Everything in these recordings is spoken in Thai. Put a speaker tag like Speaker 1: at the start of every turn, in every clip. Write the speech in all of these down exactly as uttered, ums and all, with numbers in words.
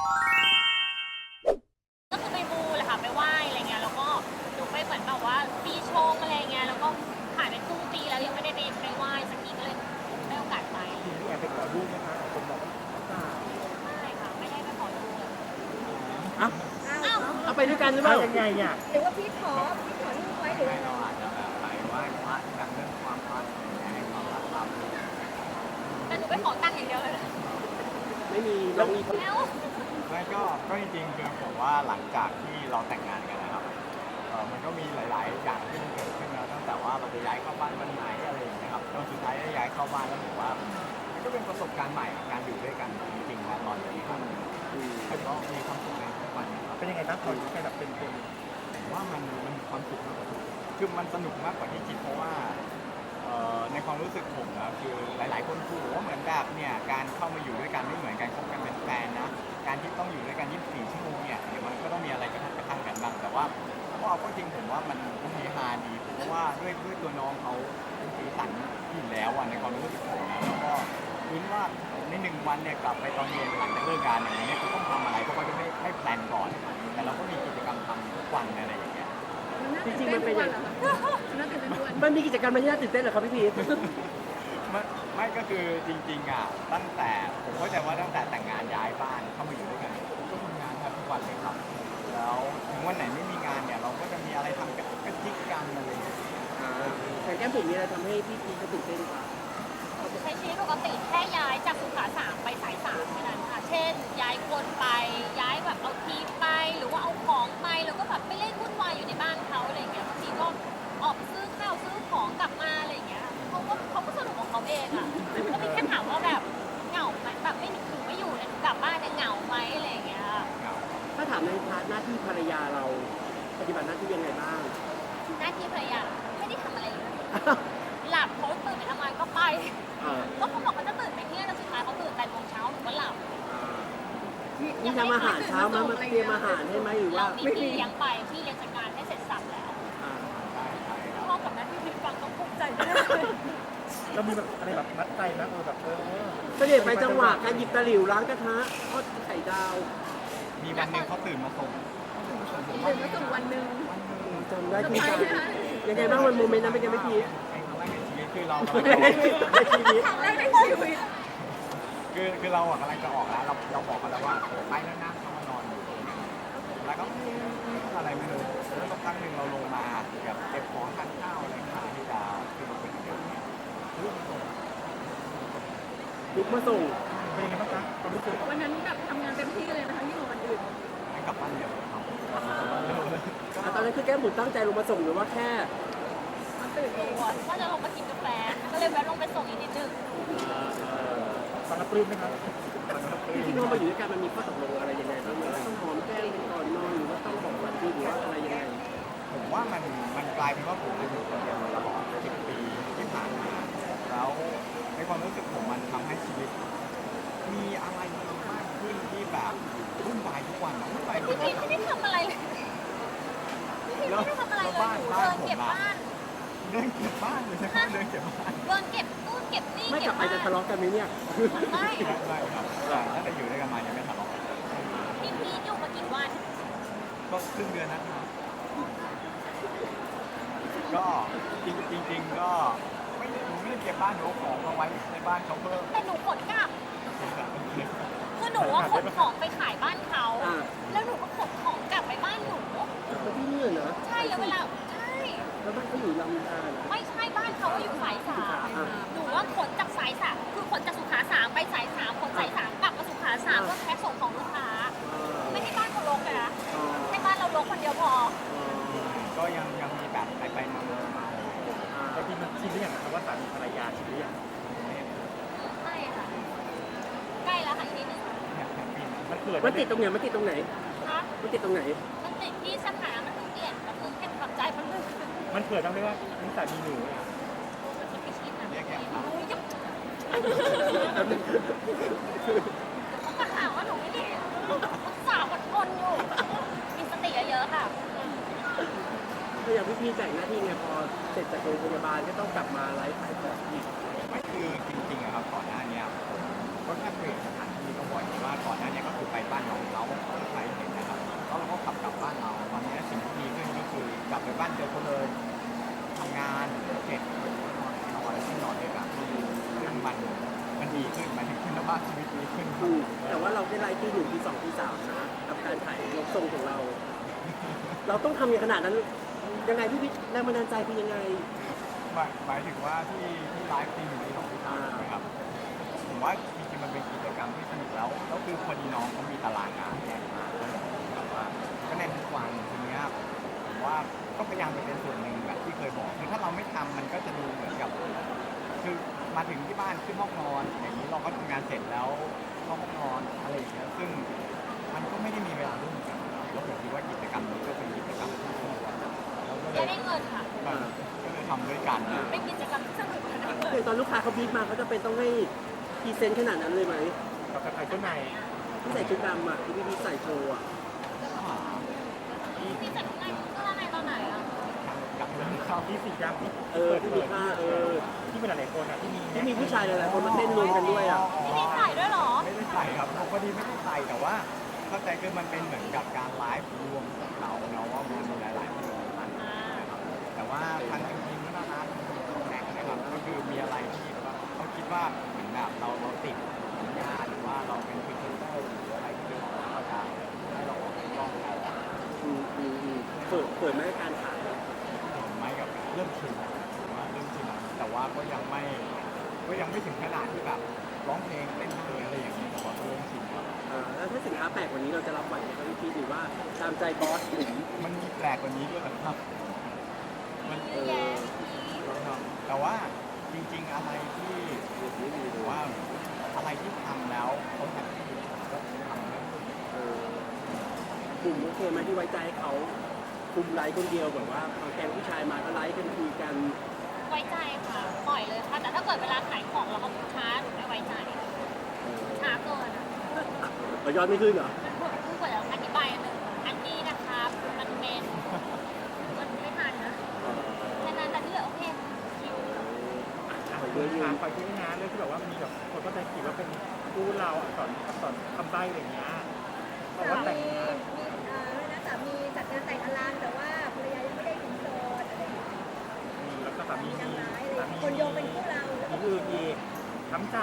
Speaker 1: ก็คือไปมูแหละค่ะไปไหว้อะไรเงี้ยแล้วก็หนูไปเหมือนแบบว่าปีชงอะไรเงี้ยแล้วก็ผ่านไปครึ่งปีแล้วยังไม่ได้ไปไปไหว้สักทีก็เลยได้โอกาสไป
Speaker 2: พี่แอบไปขอรูปไหมคะคนบอกว่า
Speaker 1: ไม่ค่ะไม่ได้ไปขอดูเลย
Speaker 2: อ่ะ
Speaker 1: อ้าว
Speaker 3: เอาไปด้วยกันหรือเปล่า
Speaker 2: ยังไงอ่ะ
Speaker 4: หรือว่าพี่ขอพี่ขอรูปไว้หรือ
Speaker 5: ให้
Speaker 4: ยังไง
Speaker 5: เราอาจจะแบบไปไหว้พระดังเรื่องความรักให้ความรักเรา
Speaker 1: แต่หนูไปขอตังค์อย่างเดียวเลย
Speaker 3: ไม่มีเรามี
Speaker 1: แล้ว
Speaker 5: ไม่ก็ก็จริงๆคือผมว่าหลังจากที่เราแต่งงานกันนะครับเออมันก็มีหลาย ๆ อย่างที่มันเกิดขึ้นแล้วตั้งแต่ว่าเราจะย้ายเข้าบ้านวันไหนอะไรอย่างเงี้ยครับจนสุดท้ายได้ย้ายเข้าบ้านแล้วผมว่ามันก็เป็นประสบการณ์ใหม่กับการอยู่ด้วยกันจริงๆนะตอนนี้ครับแต่ก็มีความสุขในทุกวันนะครับ
Speaker 2: เป็นยังไงบ้างตอนที่แค่แบบเป็นคน
Speaker 5: ผมว่ามันมันมีความสุขมากกว่าคือมันสนุกมากกว่าที่คิดเพราะว่าเอ่อในความรู้สึกผมนะคือหลาย ๆ คนพูดว่าเหมือนแบบเนี่ยการเข้ามาอยู่ด้วยกันไม่เหมือนการคบกันเป็นแฟนนะการที่ต้องอยู่ด้วยกันยี่สิบสี่ชั่วโมงเนี่ยเดี๋ยวมันก็ต้องมีอะไรกระทบกระทั่งกันบ้างแต่ว่าพอเอาก็จริงผมว่ามันมันเฮฮาดีเพราะว่าด้วยด้วยตัวน้องเขาเป็นสีสันอยู่แล้วอ่ะในความรู้สึกผมนะแล้วก็คิดว่าในหนึ่งวันเนี่ยกลับไปตอนเย็นหลังจากเลิกงานอย่างเงี้ยเขาต้องทำอะไรเพราะเขาจะไม่ไม่แพลนก่อน แต่เราก็มีกิจกรรมทำทุกวันอะไรอย่างเงี้ย
Speaker 3: จริงๆมันเป็นอย่าง
Speaker 4: มันน่าตื่นเต้นทุกวัน
Speaker 3: มันมีกิจกรรมอะไรที่น่าตื่นเต้นเหรอครับพี่พีท
Speaker 5: ไม่ไม่ก็คือจริงๆอ่ะตั้งแต่ผมเข้าใจว่าตั้งแต่แต่งงานย้ายบ้านเข้ามาอยู่ด้วยกันผมก็ทำงานแทบทุกวันเลยครับแล้วถึงวันไหนไม่มีงานเนี่ยเราก็จะมีอะไรทำกันกระจิกกันอะไรอย่างเงี้ย
Speaker 3: แต่แก้มผมมีอะไรทำให้พี่พีทเขาตื่นเต้นกว่า
Speaker 1: ใช้ชีวิตปกติแค่ย้ายจากสุขาสามไปสายสามแค่นั้นค่ะ เช่น ย้ายคนไปย้ายแบบเอาทีมไปหรือว่าเอาของไปแล้วก็แบบไปเล่นวุ่นวายอยู่ในบ้านเขาอะไรอย่างเงี้ยบางทีก็ออกไปซื้อข้าวซื้อของกลับมาอะไรอย่างเงี้ยเขาก็เขาก็สนุกของเขาเองอ่ะก็มีแค่ถามว่าแบบเหงาไหมแบบไม่หนูไม่อยู่เนี่ยหนูกลับบ้านเนี่ยเหงาไหมอะไรอย่างเงี้ย
Speaker 5: เหงา
Speaker 3: ถ้าถามในพาร์ทหน้าที่ภรรยาเราปฏิบัติหน้าที่ยังไงบ้าง
Speaker 1: หน้าที่ภรรยาไม่ได้ทำอะไรเลยหลับเขาตื่นไปทำงานก็ไป
Speaker 3: เออ
Speaker 1: ก็เขาบอกเขาจะตื่นไปเที่ยงแต่สุดท้ายเขาตื่นแปดโมงเช้าหนูก็หลับ
Speaker 3: มีทำอาหารเช้ามามาเตรียมอาหารให้ไหมหรือว่า
Speaker 1: เรามีพี่เลี้ยงไปพี่เลี้ยงจัดการให้เสร็จสับแล้ว
Speaker 3: อ่า
Speaker 5: ใช่ใช่ครับ
Speaker 1: พ่อกับแม่พี่พิมฟังต้องภูมิใจมาก
Speaker 2: เรามีแบบอะไรแบบมัดใจไหมเออแบบเออ
Speaker 3: เสด็จไปจังหวะการหยิบตะหลิวล้างกระทะทอดไข่ดาว
Speaker 5: มีวันหนึ่งเขาตื่นมาส่งผม
Speaker 4: ตื่นมาส่งวันหนึ่ง
Speaker 3: จำได้ที่ใจยังไงบ้างวันโมเมนต์นั้นเป็นยังไงพี่พีท
Speaker 5: เป็นครั้งแรกในชีวิตคือเรา
Speaker 3: ในชีวิต
Speaker 4: ครั้งแรกในชีวิต
Speaker 5: คือคือเราอะกำลังจะออกแล้วเราเราบอกกันแล้วว่าไปแล้วนะเขามานอนอยู่แล้วก็อะไรไม่รู้แล้วสักพักหนึ่งเราลงมาแบบเก็บของทานข้าวอะไรต่างๆที่จะคือเราเป็นเด็กเนี่ยเรื่องส่ง
Speaker 3: ลุกมาส่ง
Speaker 2: เป็นยังไงบ้างคะความรู้สึก
Speaker 4: วันนั้นแบบทำงานเต็มที่เลยนะคะยิ่งกว่าวันอื่น
Speaker 5: ให้กลับบ้านเร็วครับ
Speaker 3: อ่ะตอนนั้นคือแก้มบุ๋มตั้งใจลงมาส่งหรือว่าแค่
Speaker 4: มันตื่นเอง
Speaker 1: ว่าจะลงมากินกาแฟก็เลยแวะลงไปส่งอีกนิดนึง
Speaker 2: ตอนรับปลื้มไหมครับ
Speaker 3: จริงๆพอมาอยู่ด้วยกันมันมีข้อตกลงอะไรยังไงบ้างไหมว่าต้องหอมแก้มกันก่อนนอนหรือว่าต้องบอกวันดีหรือว่าอะไรยังไง
Speaker 5: ผมว่ามันมันกลายเป็นว่าผมจะอยู่คนเดียวมาตลอดสิบปีที่ผ่านมาแล้วในความรู้สึกผมมันทำให้ชีวิต มีอะไรมากขึ้นที่แบบวุ่นวายทุกวันอะวุ่นวายทุ
Speaker 1: พี่
Speaker 5: ก
Speaker 1: พี
Speaker 5: วัน
Speaker 1: ไม่ได้ทำอะไรเลยพี่พีไม่ได้ทำอะไรเลยหนูเดินเก็บบ้าน
Speaker 5: เดินเก็บบ้านเลยใช่ไหมเดินเก็บบ้าน
Speaker 1: เดินเก็บตู้เก็บนี่
Speaker 3: ไม่ก
Speaker 1: เก็
Speaker 3: ลั
Speaker 1: บบ
Speaker 3: ไป
Speaker 1: บ้าน
Speaker 3: จะทะเลาะกันไหมเนี่ย
Speaker 1: ไม่
Speaker 5: ไม่ครับแต่ถ้าจะอยู่ด้วยกันมายังไม่ทะเลาะกัน
Speaker 1: พี่พีอยู่มากี่วัน
Speaker 5: ก็ครึ่งเดือนนะครับก็จริงจริงๆก็ไม่หนูไม่ได้เก็บบ้านหนูเอาของมาไว้ในบ้านเขาเพิ่ม
Speaker 1: แต่หนูขนกลับคือหนูว่าขนของไปขายบ้านเขา
Speaker 3: อ่า
Speaker 1: แล้วหนูก็ขนของกลับไปบ้านหนู
Speaker 3: แล้วที่นี่เหรอ
Speaker 1: ใช่แล้วเวลาใช่
Speaker 3: แล้วบ้านเขาอยู่ลำดาน
Speaker 1: ไม่ใช่บ้านเขาอยู่สายสามหนูว่าขนจากสายสามคือขนจากสุขาสามไปสายสามขนสายสามกลับมาสุขาสามเพื่อแพ็คส่งของลูกค้า ไม่ให้บ้านเขารกเลยนะให้บ้านเรารกคนเดียวพอ
Speaker 5: ก็ยังยังมีแบบไปไปมามามา
Speaker 2: แต่พี่มันชินหรือยังครับว่าสามีภรรยาชินหรือยัง
Speaker 1: ไม่ค่ะใกล้แล้วค่ะอีกนิดนึง
Speaker 2: มันเกิด
Speaker 3: มันติดตรงไหนมันติดตรงไหน
Speaker 1: คะ
Speaker 3: มันติดตรงไหน
Speaker 1: มันติดที่สถามันถึงเปลี่ยนแบบนึงแค่ปรับใจมันนึง
Speaker 2: มันเกิดต้องเรียกว่านิสัยมีหนู
Speaker 1: มันคิดไม่ชินอ่ะ
Speaker 5: เรียกอย่างครับ
Speaker 1: โอ้ยจะต้องมาหาว่าหนูไม่ดีสาวอดทนอยู่ มีสติเยอะๆค่ะ
Speaker 3: ถ้าอย่างพี่พีแบ่งหน้าที่ไงพอเสร็จจากโรงพยาบาลก็ต้องกลับมาไลฟ์ขายของอีก
Speaker 5: ไม่คือจริงๆอะครับก่อนหน้าเนี้ยผมก็แค่เปลี่ยนสถานที่ก็บ่อยว่าก่อนหน้าเนี้ยก็คือไปบ้านน้องเขาบ้านเจอเขาเลยทำงานเสร็จนอนที่นอนด้วยกันซึ่งมันมันดีขึ้นหมายถึงคุณภาพชีวิตดีขึ้น
Speaker 3: ถูกแต่ว่าเราได้ไลฟ์ที่หนึ่งที่สองที่สามนะกับการถ่ายยกทรงของเรา เราต้องทำอย่างขนาดนั้นยังไงพี่พิชแรงบันดาลใจคือยังไง
Speaker 5: หมายหมายถึงว่าที่ที่ไลฟ์ทีหนึ่งที่สองที่สามใช่ไหมครับผมว่าจริงๆมันเป็นกิจกรรมที่สนุกแล้วแล้วคือพอดีน้องเขามีตารางงานแน่นมากแบบว่าก็แน่นทุกวันทีเนี้ยผมว่าก็พยายามจะเป็นส่วนหนึ่งแบบที่เคยบอกคือถ้าเราไม่ทำมันก็จะดูเหมือนกับ คือมาถึงที่บ้านขึ้นห้องนอนอย่างนี้เราก็ทำงานเสร็จแล้วเข้าห้องนอนอะไรอย่างเงี้ยซึ่งมันก็ไม่ได้มีเวลาร่วมกันแล้วผมคิดว่ากิจกรรมนี้ก็เป็นกิจกรรมที่สนุกแล้วก็เล
Speaker 1: จะ
Speaker 5: ย
Speaker 1: ได้เงินค่ะ
Speaker 5: ก็เลยทำด้วยกัน
Speaker 1: เป็นกิจกรรมที่สนุกและได้เงิน
Speaker 3: อย่างตอนลูกค้าเขาบีบมาเขาจะเป็นต้องให้พรีเซนต์ขนาดนั้นเลยไหม
Speaker 2: กับใครชุดใน
Speaker 3: ที่ใส่ชุดดำอ่ะที่พี่พีชใส่โชว์อ่ะ
Speaker 1: พี่จัดงานเสื้อในตอนไหนอ่ะ
Speaker 5: กับเรื่องเข้า
Speaker 2: ที่สีดำที่
Speaker 3: เออที่มีผ้าเออ
Speaker 2: ที่เป็นหลายๆคนอ่ะที่มี
Speaker 3: ที่มีผู้ชายหลายๆคนมาเต้นรวมกันด้วยอ่ะ
Speaker 1: พี่มีใส่ด้วยเหรอ
Speaker 5: ไม่ได้ใส่ครับพอดีไม่ได้ใส่แต่ว่าเข้าใจคือมันเป็นเหมือนกับการไลฟ์รวมของเราเนาะว่ามันมีหลายๆคนกันนะครับแต่ว่าทางทีมก็น่ารักแข่งนะครับก็คือมีอะไรที่แบบเขาคิดว่าเหมือนแบบเราเราติดสัญญาหรือว่าเราเป็นพรีเซนเตอร์หรืออะไรที่เขาจะให้เราออกกล้องเรา
Speaker 3: อืมอืมอืมเปิดเปิดไหมการขาย
Speaker 5: ไม่กับเริ่มชินผมว่าเริ่มชินแล้วแต่ว่าก็ยังไม่ก็ยังไม่ถึงขนาดที่แบบร้องเพลงเต้นเพลงอะไรอย่างนี้แต่ว่าก็เริ่มชินแล้ว
Speaker 3: อ่าแล้วถ้าสินค้าแปลกกว่านี้เราจะรับไหวไหมครับพี่พีชหรือว่าตามใจบอสหรือ
Speaker 5: มันมีแปลกกว่านี้ด้วยเหรอครับมัน
Speaker 1: เยอะแยะพี่
Speaker 5: ครับแต่ว่าจริงๆอะไรที่หรือว่าอะไรที่ทำแล้วเขาแฮปปี้ก็ทำแล้ว
Speaker 3: เออกลุ่มโอเคไหมที่ไว้ใจให้เขาคุมไลฟ์คนเดียวแบบว่าเอาแกงผู้ชายมาก็ไลฟ์กันคุยกัน
Speaker 1: ไว้ใจค่ะ ปล่อยเลยค่ะ แต่ถ้าเกิดเวลาขายของเราก็ช้าหนูไม่ไว้ใจช้าเกินอ่ะ
Speaker 3: เรายอดไม่ขึ้นเหรอ
Speaker 1: เพิ่งกว่าจะอธิบายอันหนึ่งอันนี้นะครับมันเป็นมันไม่ทันนะแค่นั้นแต่ที่เหลือโอเคคิว
Speaker 2: อ่ะเรื่องงานคอยช่วยงานเรื่องที่แบบว่ามีแบบคนเข้าใจผิดว่าเป็นคู่เราอักษรอักษรคำใบ้อะไรอย่างเงี้ยบอกว่าแต่งงาน
Speaker 4: มีเอ่อนะสามีจัดงานแต่งอลันแต่ว่าภรรยายังไม่ได้ถึงโสดอะไรอย่างเงี้ย
Speaker 2: มีแล้วก็สามี
Speaker 4: มี
Speaker 2: มี
Speaker 4: นางร้ายอะไรอ
Speaker 2: สา
Speaker 4: ย่าง
Speaker 2: มี
Speaker 4: เงี้ยคนโยงเป็นคู่เรา
Speaker 2: มีอื่นอีกช้ำใจ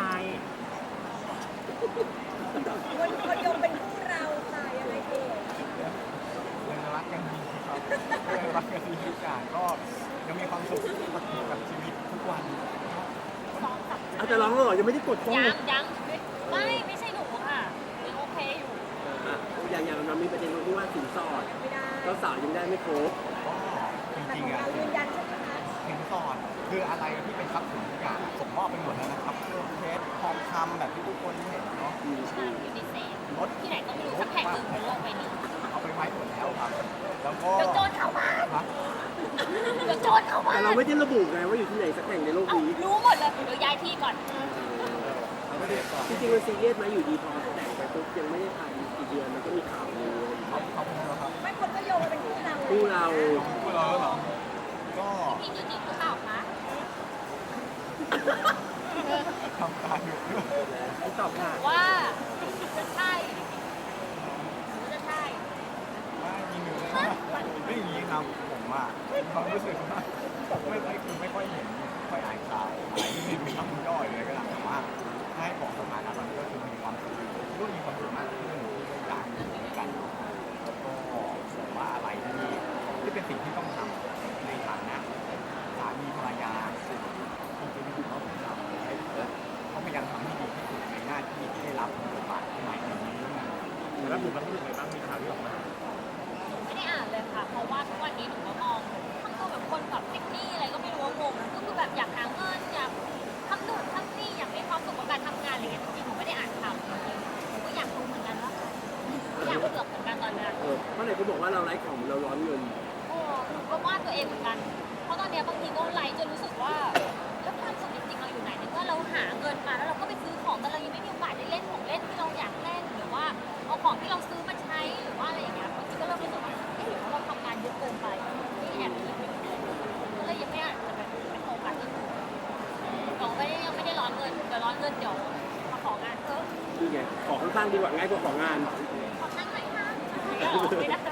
Speaker 4: คนคนโยงเป็นคู่เราค่ะยังไงเอ่ย
Speaker 5: ยังรักกันดีครับยังรักกันดีทุกอย่างก็ยังมีความสุขกับชีวิตทุกวัน
Speaker 1: สองสาม
Speaker 3: เอาแต่ร้องแล้วเหรอยังไม่ได้กดข้อ
Speaker 1: ยั
Speaker 3: เล
Speaker 1: ง
Speaker 3: ย
Speaker 1: ยังไม่ไม่ใช่หนูค่ะยังโอเคอยู่
Speaker 3: อ่ะอย่างอย่างมันมีประเด็นตรงที่ว่าสินสอด
Speaker 4: ยังไม่ได้
Speaker 3: เจ้าสาวยังได้ไม่ครบ
Speaker 5: ก็จ
Speaker 4: แต่
Speaker 5: ริ
Speaker 4: ของ
Speaker 5: งๆอ่ะ
Speaker 4: เรายืนยันใช่ไหมคะ
Speaker 5: สินสอดคืออะไรที่เป็นทรัพย์สินทุกอย่างผมมอบไปหมดแล้วนะครับเครื่องเพชรทองคำแบบที่ทุกคนเห็นเนาะ
Speaker 1: ใช่อยู่ในเซฟ
Speaker 5: รถ
Speaker 1: ที่ไหนก็ไม่รู้สักแห่งหนึ่งบนโลกใบนี้
Speaker 5: เอาไปไว้หมดแล้วครับ แล้วก็
Speaker 1: เดี๋ยวโจรเข้าบ้าน
Speaker 5: ฮะ
Speaker 1: เดี๋ยวโจรเข้าบ้า
Speaker 3: แต่
Speaker 1: น
Speaker 3: เราไม่ได้ระบุไงว่าอยู่ที่ไหนสักแห่งในโลก
Speaker 1: เอ้า
Speaker 3: นี้
Speaker 1: รู้หมดเลยเดี๋ยวย้ายที่ก่อน
Speaker 5: เราไม่ได้ก่อน
Speaker 3: จริงๆมันซีเรียสไหมอยู่ดีพอแต่งไปปุ๊บยังไม่ได้ถ่ายกี่เดือนมันก็มีข่าวเลย
Speaker 5: เขาเขาพูดแล้วครับ
Speaker 4: ไม่คนก็โยงมาเป็นคู่เรา
Speaker 3: คู่เรา
Speaker 5: พูดแล้วเหรอก็
Speaker 1: พี่จริงๆหรือเปล่าคะ
Speaker 5: ทำการอยู่ด้วย
Speaker 2: ไม่ตอบค่ะ
Speaker 1: ว่าจะใช่หรือจะใช่
Speaker 5: ว่ามีหนึ่งเลยนะไม่อย่างนี้ครับผมอ่ะมีความรู้สึกว่าไม่ค่อยคือไม่ค่อยเห็นไม่ค่อยอ่านข่าวอะไรที่มีคำย่อยเลยก็ตามแต่ว่าถ้าให้บอกสถานะตอนนี้ก็คือมีความสุขรู้มีความสุขมากขึ้นที่ได้อยากอยู่ด้วยกันแล้วก็ผมว่าอะไรที่ที่เป็นสิ่งที่ต้องทำในฐานะสามีภรรยาที่จะอยู่เขาทำให้เขาพยายามทำให้ดีที่สุดในหน้าที่ที่ได้รับบทบาทใหม่ในนี้
Speaker 2: แล้วหนูมันรู้สึกไงบ้างมีข่าวที่ออกมา
Speaker 1: ไม่ได้อ่านเลยค่ะ เพราะว่าทุกวันนี้หนูก็มองทำตัวแบบคนแบบเทคนิคอะไรก็ไม่รู้ว่างงก็คือแบบอยากหาเงินอยากทำนู่นทำนี่อยากมีความสุขกับการทำงานอะไรเงี้ยจริงๆหนูไม่ได้อ่านข่าวจริงๆหนูก็อยากรู้เหมือนกันว่าอยากเผือกเหมือนกันตอนนี้
Speaker 3: เออเพราะไหนเขาบอกว่าเราไร้ของเราร้อนเงิน
Speaker 1: โอ้หนูก็ว่าตัวเองเหมือนกัน เพราะตอนเนี้ยบางทีก็ไลฟ์จนรู้สึกว่าแล้วความสุขจริงๆเราอยู่ไหนในเมื่อเราหาเงินมาแล้วเราก็ไปซื้อของแต่เรายังไม่มีโอกาสได้เล่นของเล่นที่เราอยากเล่นหรือว่าเอาของที่เราซื้อมาใช้หรือว่าอะไรอย่างเงี้ยบางทีก็เริ่มรู้สึกว่าเอ๊ะหรือว่าเราทำงานเยอะเกินไปนี่แอบคิดอยู่ก็เลยยังไม่อาจจะแบบไปโฟกัสที่อื่นเราไม่ได้ยังไม่ได้ร้อนเงินเดี๋ยวร้อนเงินเดี๋ยวมาของานเพิ่ม
Speaker 3: นี่ไงของข้างๆดีกว่าง่ายกว่าของงาน
Speaker 1: ขอนั่งไหมคะไม่ได้